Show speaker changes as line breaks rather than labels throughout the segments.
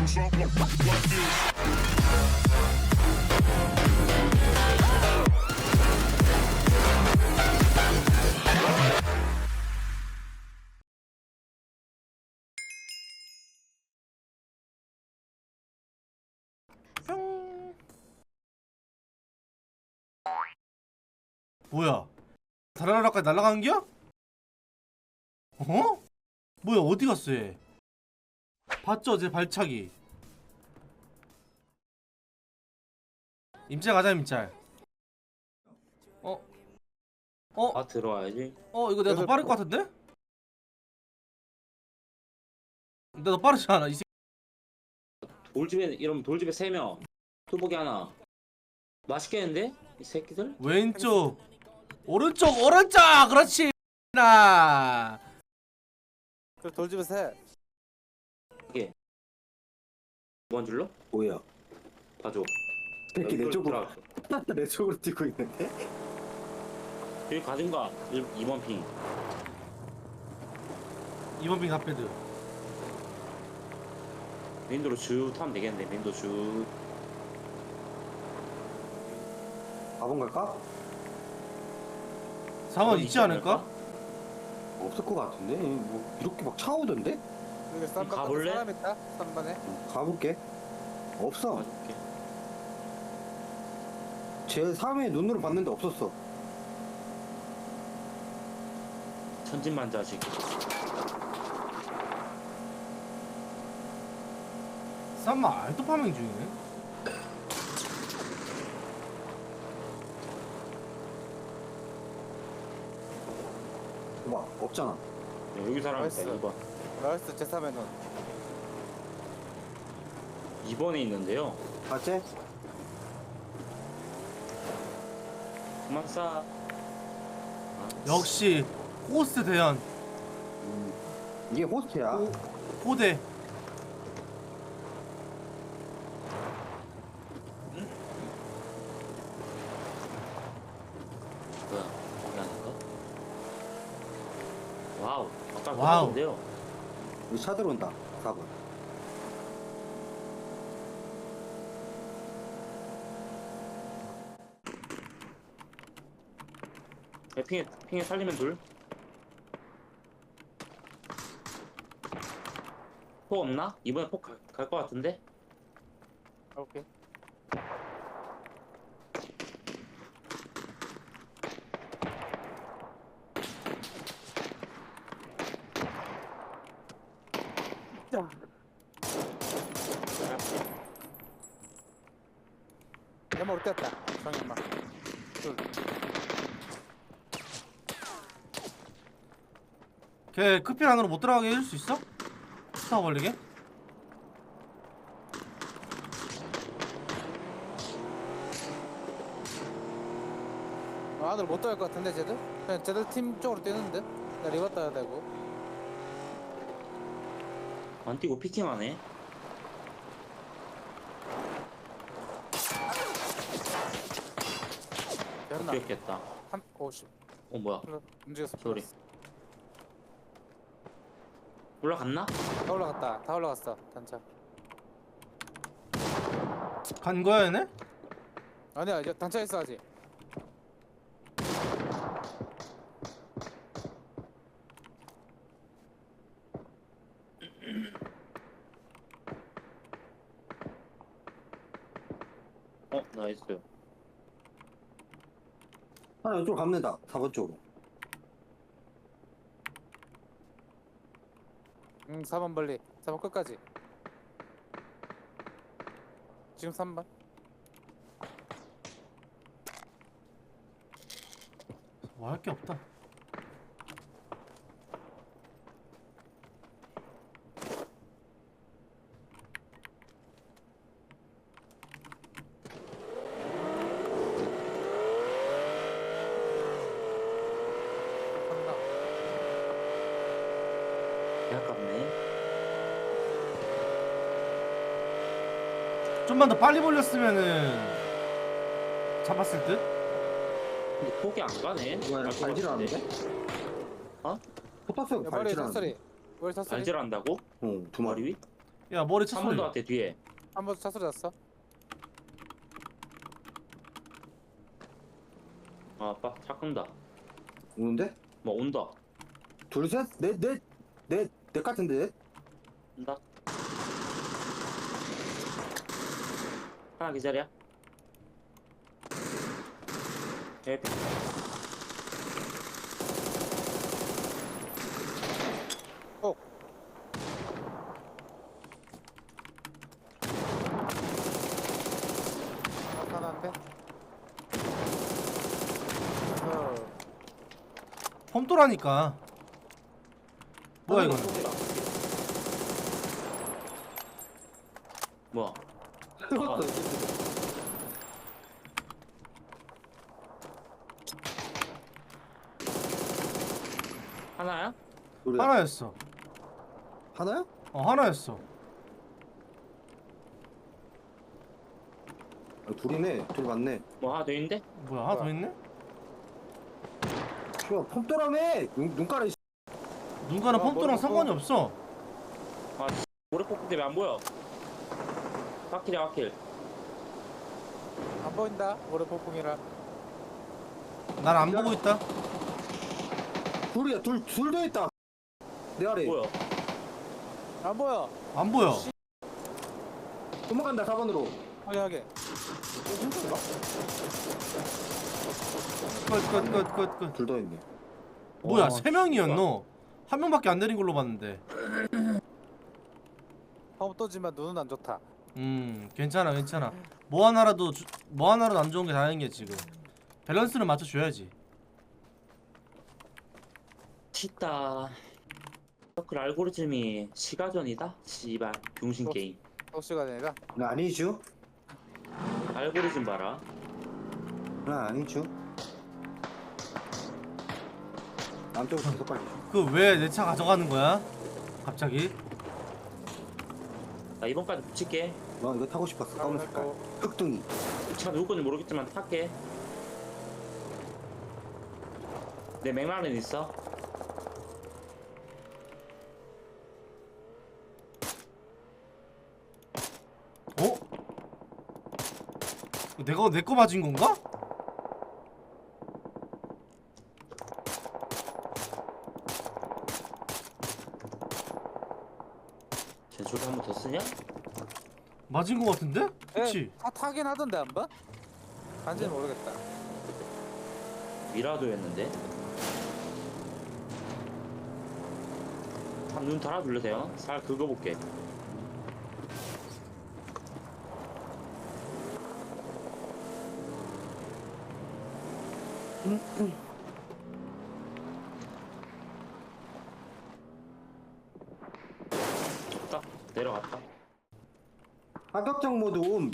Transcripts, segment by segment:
뭐야? 다라라까지 날아간겨? 어? 뭐야 어디 갔어 얘? 봤죠 제 발차기. 임짤 가자 임짤. 어? 어?
아 들어와야지.
이거 내가 더 빠를 것 같은데? 내가 더 빠르지 않아 이 새끼.
돌집에 이러면 돌집에 3명, 뚜벅이 하나. 맛있겠는데? 이 새끼들?
왼쪽 오른쪽 그렇지 나.
그 돌집에 셋.
이게 뭔 줄로?
뭐야?
봐줘.
새끼 내
여기
쪽으로
들어갔어.
내 쪽으로 뛰고 있는데?
여기 가든가. 2번 핑.
2번 빙 핫패드.
윈도로 쭉 타면 되겠는데. 윈도 쭉.
4번 갈까?
4번 있지 않을까?
없을 것 같은데? 뭐 이렇게 막 차 오던데?
여기 쌈
가볼래?
사람 있다. 3번에.
가볼게. 없어.
봐줄게.
제 3회 눈으로 봤는데 없었어.
천진만자식.
쌈마 알토 파밍 중이네.
봐, 없잖아.
여기 사람 있다.
나이스.
2번.
나이스 제3에는
2번에 있는데요.
봤지?
그만 싸.
역시 호스트 대현
이게 호스트야.
호대.
뭐야? 거기 아닌가? 와우. 아까
와우.
봤는데요.
여기 차 들어온다. 4번.
핑에 살리면 둘. 폭 없나? 이번에 폭 갈 것 같은데?
오케이. 자. 연마 올 때였다. 정연마. 둘.
걔 크필 안으로 못 들어가게 해줄 수 있어? 스타 벌리게?
안으로 못 들어갈 것 같은데 쟤들? 그냥 쟤들 팀 쪽으로 뛰는데? 나 리버 따야 되고.
안 뛰고 피킹하네.
됐나?
뛰었겠다.
50.
뭐야?
움직였어.
소리. 올라갔나?
다 올라갔다. 다 올라갔어. 단차.
간 거야 얘네?
아니야 이제 단차 있어 아직.
나이스.
하나 이쪽으로 가면 된다. 4번 쪽으로.
4번 벌리. 4번 끝까지. 지금 3번.
뭐 할 게 없다.
아깝네.
좀만 더 빨리 벌렸으면은 잡았을 듯?
근데 폭이 안 가네.
뭐야, 발질 하는데?
어?
포탑스가
머리
발질
탑소리.
하는데?
머리 탑소리.
발질 한다고?
어, 두
머리
마리.
위?
야 머리 차
3번
소리.
더 같아 뒤에.
한 번 차 소리 났어.
아 아빠 차 끈다.
오는데?
뭐 온다.
둘, 셋, 넷 같은데?
온다. 하나 기다려. 예.
하나인데.
폼도라니까. 뭐야 이거?
뭐야? 하나야?
둘이야.
하나였어.
하나야?
하나였어.
아, 둘이네. 둘 맞네.
뭐 하나 더 있는데?
뭐야 하나 더 있네?
씨발 폼또라며. 눈가래.
눈가는 폼도랑
머리
상관이
폼.
없어.
아 모래 폭 때문에 안 보여. 바퀴야 바퀴.
안 보인다. 올해 폭풍이라.
난 안 보고 있다.
둘이야. 둘도 있다. 내 아래.
뭐야?
안 보여.
안 보여.
도망간다 4번으로.
확인하게.
끝.
둘 더 있네.
뭐야
와,
세 명이었노? 한 명밖에 안 내린 걸로 봤는데.
펌 떠지만 눈은 안 좋다.
괜찮아. 뭐 하나라도 안 좋은 게 다행인 게 지금. 밸런스를 맞춰 줘야지.
치다. 그 알고리즘이 시가전이다. 씨발 병신 게임.
또 시간이라.
나 아니죠?
알고리즘 봐라.
나 아니죠? 남쪽으로 계속 빨리.
그 왜 내 차 가져가는 거야? 갑자기?
나 이번까지 붙일게.
너 이거 타고 싶었어. 검은 색깔. 흑둥이.
이 차 누구 건지 모르겠지만 탈게. 내 맥라렌 있어.
어? 내가 내 거 맞은 건가?
제조를 한 번 더 쓰냐?
맞은 거 같은데? 그치?
다 타긴 하던데 한 번? 간지는 모르겠다.
미라도였는데. 한 눈 달아둘래세요? 살 긁어볼게. 없다. 내려갔다.
합격장 모드 옴.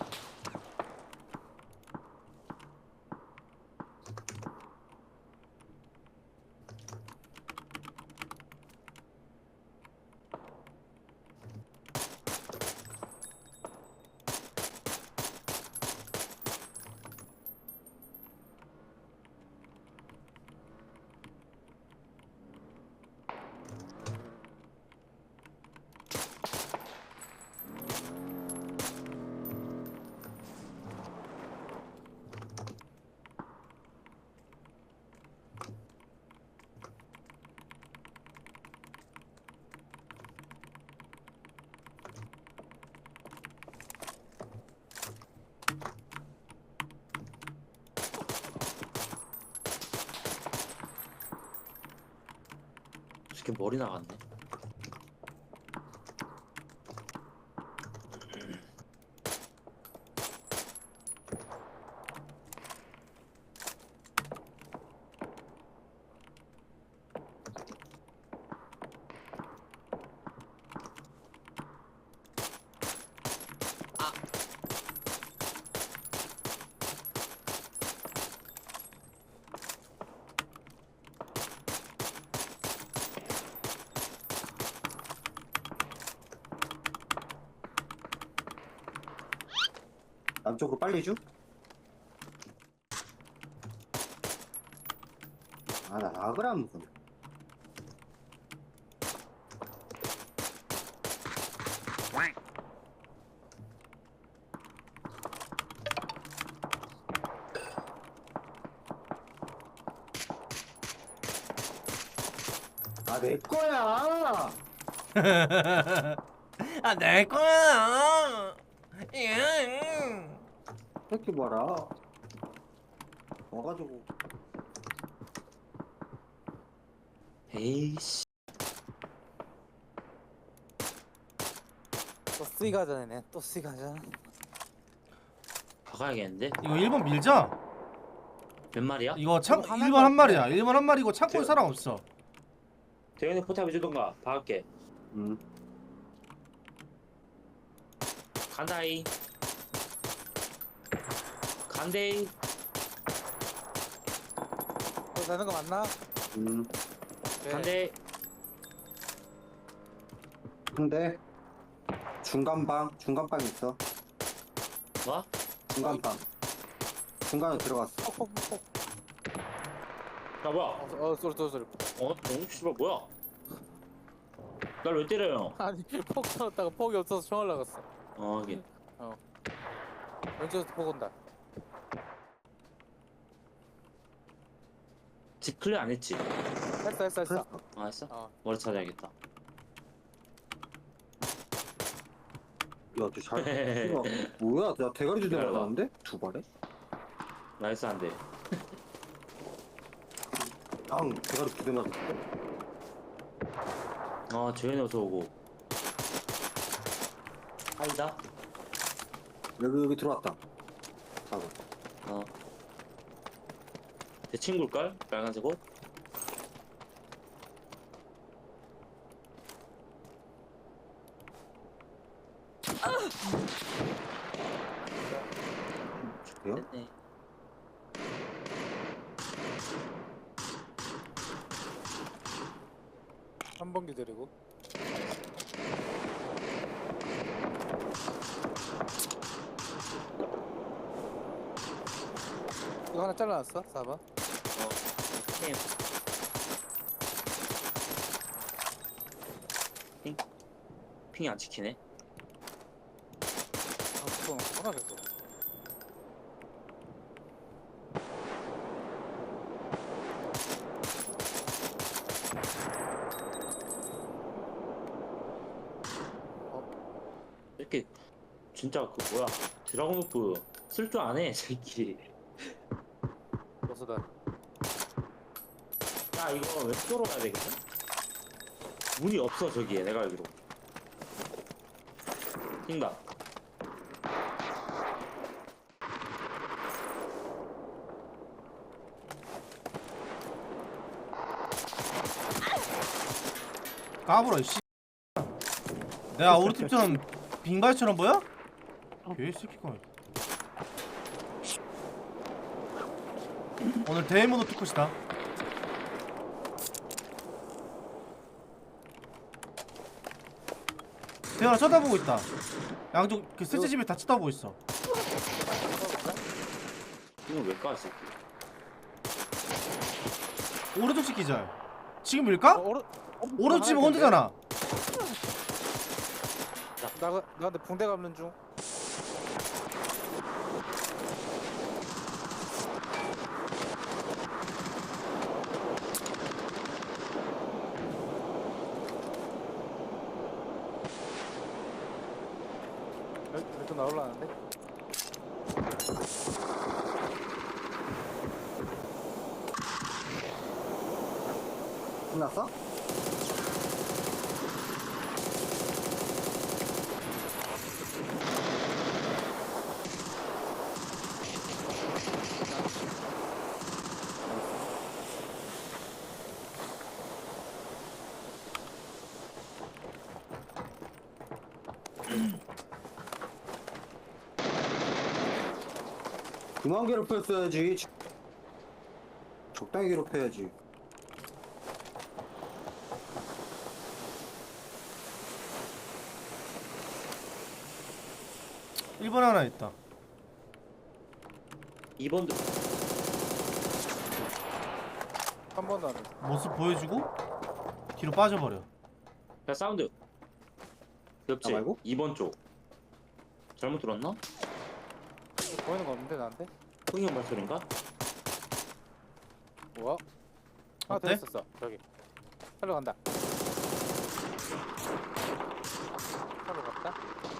이렇게 머리 나갔네.
남쪽으로 빨리 줘? 아, 나 락을 안 먹어. 아, 내 거야.
아, 내 거야.
이렇게 봐라. 와가지고.
에이씨.
또 쓰이가잖아네. 또 쓰이가잖아.
박아야겠는데?
이거 1번 밀자.
몇 마리야?
이거 창
이거 하나인
1번
것
한
같아.
마리야. 1번 한 마리고 창고에 사람 없어.
대현이 포탑 해주던가. 박을게. 간다이. 간데이.
또 되는 거 맞나? 네.
간데.
근데 중간방 있어.
뭐?
중간방. 중간에 들어갔어.
폭폭폭.
야 뭐야?
쏘리.
너무 씨발 뭐야? 날 왜 때려요?
아니 폭 쏘았다가 폭이 없어서 총알 나갔어.
이게
왼쪽에서 폭 온다.
집 클리어 안 했지?
했어.
했어?
어.
머리 찾아야겠다.
야, 쟤 잘. 뭐야? 나 대가리 주대
기다려봐.
나가는데? 두 발에?
나이스 안 돼.
앙, 대가리 두대 맞았어.
재현이 어서 오고. 아니다.
여기 들어왔다. 가고.
내 친구일걸? 빨간색 옷?
저기요?
됐네.
한 번 기다리고. 이거 하나 잘라놨어? 4번.
핑. 핑이 안 찍히네.
그거 없구나 계속.
이렇게 진짜 그 뭐야 드라곤오프 쓸 줄 아네 새끼.
버스다.
야 이거 왼쪽으로 가야 되겠다. 문이 없어 저기에 내가 알기로. 뛴다.
까불어 씨. 내가 우리 팀처럼 빙발처럼 보여? 개새끼가. 오늘 대모드 투컷이다. 대현아 쳐다보고 있다. 양쪽 그 셋째 집에 다 쳐다보고 있어.
이건 왜 까, 새끼?
오른쪽 집 기절. 지금 밀까? 오른쪽 집은
하나
혼자잖아.
나 근데 붕대 감는 중. 또 나올라는데?
끝났어? 그만 괴롭혔어야지. 적당히 괴롭혀야지.
일본 하나 있다.
2번도
한 번도 안 해.
모습 보여주고 뒤로 빠져버려.
야 사운드 옆집
나 말고?
2번 쪽 잘못 들었나?
보이는 거 없는데 나한테?
흥형 발소리인가?
뭐야? 하나 더
어때?
있었어. 저기. 살러 간다. 차로 갔다.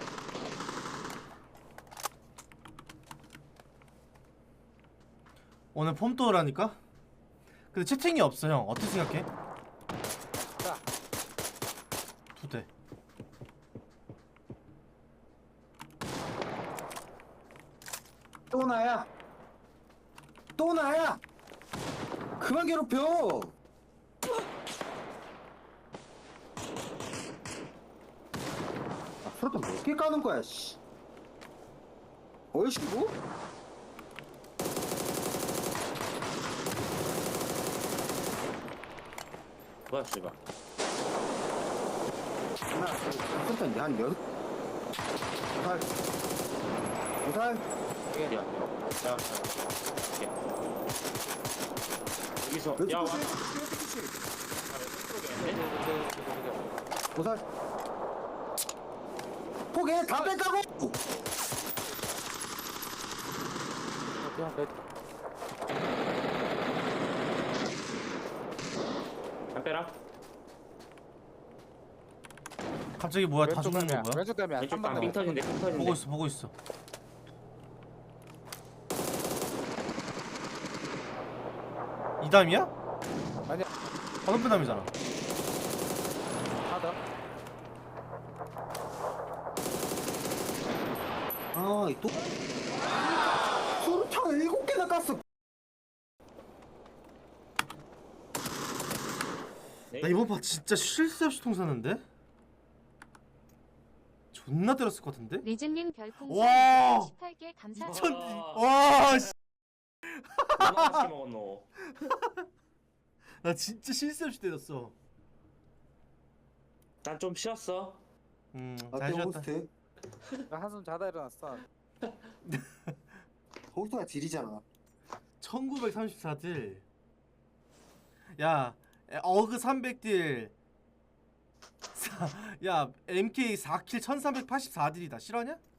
오늘 폼도어라니까? 근데 채팅이 없어 형. 어떻게 생각해?
자,
2대.
또 나야. 또 나야. 그만 괴롭혀. 아, 수류탄 몇 개 까는 거야, 씨. 얼씨구?
뭐야 씨발.
하나, 수류탄 이제 한 6. 무살. 무살.
야, 여기서
왼쪽
야 와.
끝이. 무살. 포개 다 뺐다고.
그냥 내
안 빼라.
갑자기 뭐야? 다
왼쪽
죽는
담이야.
거 뭐야?
왼쪽 담이야.
왼쪽
3번
방 빙 터진대. 빙 터진대.
보고 있어, 보고 있어. 이담이야?
아니야.
방금 담이잖아.
하다.
아, 이 또. 수류탄 7개나 깠어.
나 이번 파 진짜 쉴 새 없이 통 쐈는데? 존나 때렸을 것 같은데?
리즐님 별풍선
와!
18개 감사합니다.
천... 와, 씨.
얼마나 맛있게 먹었노?
나 진짜 쉴 새 없이 때렸어.
난 좀 쉬었어.
아,
잘
때
쉬었다.
호스트.
나 한숨 자다 일어났어.
호스트가 질이잖아.
1934딜. 야, 어그 300딜. 야, MK 4킬 1384딜이다. 실화냐?